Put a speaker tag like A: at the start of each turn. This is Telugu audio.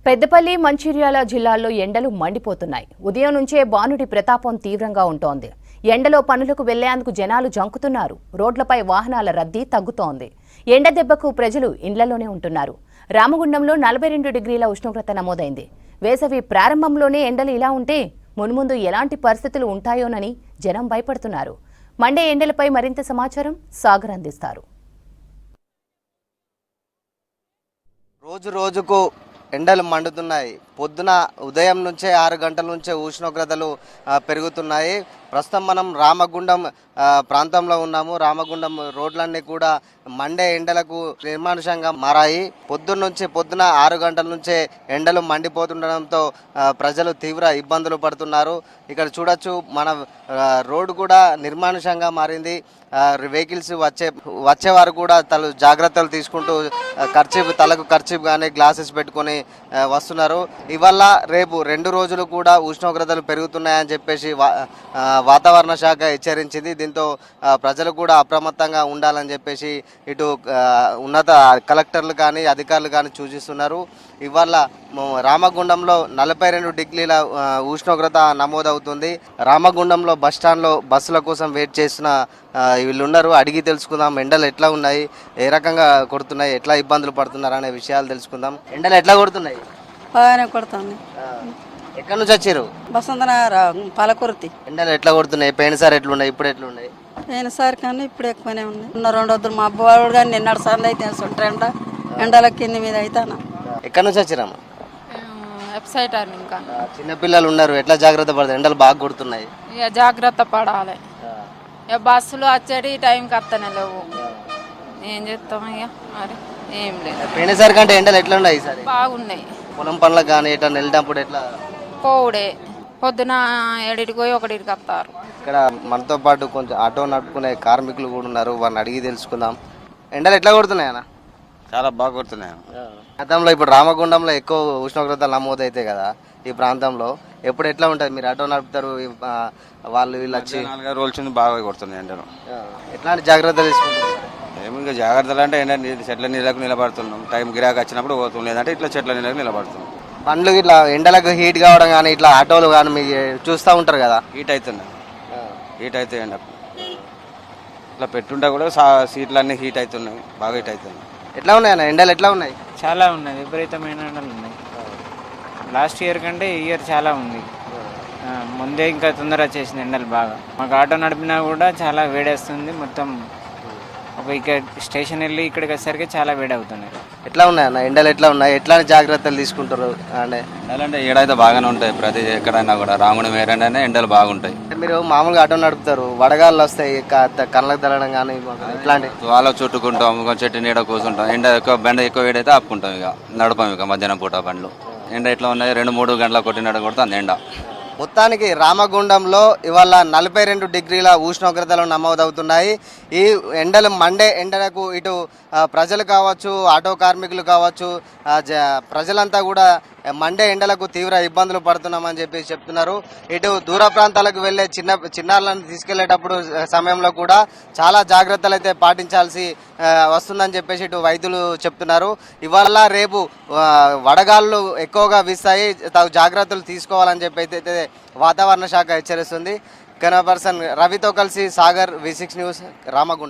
A: పెద్దపల్లి, మంచిర్యాల జిల్లాల్లో ఎండలు మండిపోతున్నాయి. ఉదయం నుంచే బానుడి ప్రతాపం తీవ్రంగా ఉంటోంది. ఎండలో పనులకు వెళ్లేందుకు జనాలు జంకుతున్నారు. రోడ్లపై వాహనాల రద్దీ తగ్గుతోంది. ఎండ దెబ్బకు ప్రజలు ఇండ్లలోనే ఉంటున్నారు. రామగుండంలో 42 డిగ్రీల ఉష్ణోగ్రత నమోదైంది. వేసవి ప్రారంభంలోనే ఎండలు ఇలా ఉంటే మున్ముందు ఎలాంటి పరిస్థితులు ఉంటాయోనని జనం భయపడుతున్నారు. మండే ఎండలపై మరింత సమాచారం సాగర్ అందిస్తారు.
B: రోజు రోజుకు ఎండలు మండుతున్నాయి. పొద్దున ఉదయం నుంచే 6 గంటల నుంచే ఉష్ణోగ్రతలు పెరుగుతున్నాయి. ప్రస్తుతం మనం రామగుండం ప్రాంతంలో ఉన్నాము. రామగుండం రోడ్లన్నీ కూడా మండే ఎండలకు నిర్మానుషంగా మారాయి. పొద్దున 6 గంటల నుంచే ఎండలు మండిపోతుండడంతో ప్రజలు తీవ్ర ఇబ్బందులు పడుతున్నారు. ఇక్కడ చూడొచ్చు, మన రోడ్డు కూడా నిర్మానుషంగా మారింది. వెహికల్స్ వచ్చేవారు కూడా జాగ్రత్తలు తీసుకుంటూ తలకు ఖర్చీఫ్ కానీ గ్లాసెస్ పెట్టుకొని వస్తున్నారు. ఇవాళ రేపు 2 రోజులు కూడా ఉష్ణోగ్రతలు పెరుగుతున్నాయని చెప్పేసి వాతావరణ శాఖ హెచ్చరించింది. దీంతో ప్రజలు కూడా అప్రమత్తంగా ఉండాలని చెప్పేసి ఇటు ఉన్నత కలెక్టర్లు కానీ అధికారులు కానీ సూచిస్తున్నారు. ఇవాళ రామగుండంలో 42 డిగ్రీల ఉష్ణోగ్రత నమోదవుతుంది. రామగుండంలో బస్టాండ్లో బస్సుల కోసం వెయిట్ చేసిన వీళ్ళు ఉన్నారు. అడిగి తెలుసుకుందాం, ఎండలు ఎట్లా ఉన్నాయి, ఏ రకంగా కొడుతున్నాయి, ఎట్లా ఇబ్బందులు పడుతున్నారు అనే విషయాలు తెలుసుకుందాం. ఎండలు ఎట్లా కొడుతున్నాయి?
C: బాగానే కొడుతుంది.
B: ఎక్కడి నుంచి వచ్చారు?
C: బసంతనగర్ పాలకుర్తి.
B: ఎండలు ఎట్లా కొడుతున్నాయి? పోయినసారి ఎట్లున్నాయి, ఇప్పుడు ఎట్లున్నాయి?
C: పోయినసారి కానీ ఇప్పుడు ఎక్కువనే ఉన్నాయి. 2 రోజులు మా అబ్బవాడు కానీ నిన్నటి సార్లు అయితే సుంట్రెండ ఎండల కింది మీద అవుతాను.
B: ఎక్కడి నుంచి వచ్చారమ్మా?
D: వెబ్సైట్ ఇంకా
B: చిన్నపిల్లలు ఉన్నారు, ఎట్లా జాగ్రత్త పడతారు? ఎండలు బాగా కొడుతున్నాయి.
D: ఇక జాగ్రత్త పడాలి. ఇక బస్సులు వచ్చేది టైంకి వస్తనే లేవు. ఏం చేస్తాం ఇక మరి ఏం లేదు.
B: పోయినసారి కంటే ఎండలు ఎట్లా ఉన్నాయి ఈసారి?
D: బాగున్నాయి.
B: పొలం పనులకు కానీ ఎట్లా వెళ్ళినప్పుడు ఎట్లా?
D: పోవుడే పొద్దున 7కి పోయి 1కి వస్తారు.
B: ఇక్కడ మనతో పాటు కొంచెం ఆటో నడుపుకునే కార్మికులు కూడా ఉన్నారు, వారిని అడిగి తెలుసుకుందాం. ఎండలు ఎట్లా కొడుతున్నాయి అన్న?
E: చాలా బాగా కొడుతున్నాయి.
B: గతంలో ఇప్పుడు రామగుండంలో ఎక్కువ ఉష్ణోగ్రతలు నమోదైతాయి కదా ఈ ప్రాంతంలో, ఎప్పుడు ఎట్లా ఉంటుంది? మీరు ఆటో నడుపుతారు, వాళ్ళు వీళ్ళు వచ్చి
E: 4 రోజుల బాగా కొడుతున్నాయి ఎండలు.
B: ఎట్లాంటి జాగ్రత్తలు తీసుకుంటారు?
E: ఏమి ఇంకా జాగ్రత్తలు అంటే చెట్ల నీళ్ళకు నిలబడుతున్నాం. టైం గిరాకి వచ్చినప్పుడు పోతుంది, లేదంటే ఇట్లా చెట్ల నీళ్ళకు నిలబడుతున్నాం.
B: బండ్లు ఇట్లా ఎండలకు హీట్ కావడం కానీ ఇట్లా ఆటోలు కానీ మీకు చూస్తూ ఉంటారు కదా,
E: హీట్ అవుతున్నాయి. హీట్ అవుతాయి ఎండకు. ఇట్లా పెట్టుంటే కూడా సీట్లు అన్నీ హీట్ అవుతున్నాయి, బాగా హీట్ అవుతున్నాయి.
B: ఎట్లా ఉన్నాయి అన్న ఎండలు? ఎట్లా ఉన్నాయి?
F: చాలా ఉన్నాయి, విపరీతమైన ఎండలు ఉన్నాయి. లాస్ట్ ఇయర్ కంటే ఈ ఇయర్ చాలా ఉంది. ముందే ఇంకా తొందర వచ్చేసింది ఎండలు బాగా. మాకు ఆటో నడిపినా కూడా చాలా వేడేస్తుంది. మొత్తం ఇక్కడ స్టేషన్ వెళ్ళి ఇక్కడికి వచ్చేసరికి చాలా వేడి అవుతున్నాయి.
B: ఎట్లా ఉన్నాయి అన్న ఎండలు? ఎట్లా ఉన్నాయి? ఎట్లాంటి జాగ్రత్తలు తీసుకుంటారు?
E: ఎండలంటే ఏడైతే బాగానే ఉంటాయి. ప్రతి ఎక్కడైనా కూడా రాముడు ఏరైనా ఎండలు బాగుంటాయి.
B: మీరు మామూలుగా ఆటో నడుపుతారు, వడగాళ్ళు వస్తాయి, కళ్ళకు తగలడం కానీ ఇట్లాంటి
E: వాళ్ళ చుట్టుకుంటాం, చెట్టు నీడ కూర్చుంటాం. ఎండ ఎక్కువ బండ ఎక్కువ వేడైతే ఆపుకుంటాం, ఇక నడపం. ఇక మధ్యాహ్నం పూట బండ్లు ఎండ ఎట్లా ఉన్నాయి? 2-3 గంటల కొట్టినట్టు కొడుతుంది ఎండ.
B: మొత్తానికి రామగుండంలో ఇవాళ 42 డిగ్రీల ఉష్ణోగ్రతలు నమోదవుతున్నాయి. ఈ ఎండలు మండే ఎండలకు ఇటు ప్రజలు కావచ్చు, ఆటో కార్మికులు కావచ్చు, ప్రజలంతా కూడా మండే ఎండలకు తీవ్ర ఇబ్బందులు పడుతున్నామని చెప్పి చెప్తున్నారు. ఇటు దూర ప్రాంతాలకు వెళ్ళే చిన్నారులను తీసుకెళ్లేటప్పుడు సమయంలో కూడా చాలా జాగ్రత్తలు అయితే పాటించాల్సి వస్తుందని చెప్పేసి ఇటు వైద్యులు చెప్తున్నారు. ఇవాళ రేపు వడగాళ్ళు ఎక్కువగా వీస్తాయి, తగు జాగ్రత్తలు తీసుకోవాలని చెప్పి అయితే వాతావరణ శాఖ హెచ్చరిస్తుంది. కెమెరా పర్సన్ రవితో కలిసి సాగర్, V6 న్యూస్, రామగుండం.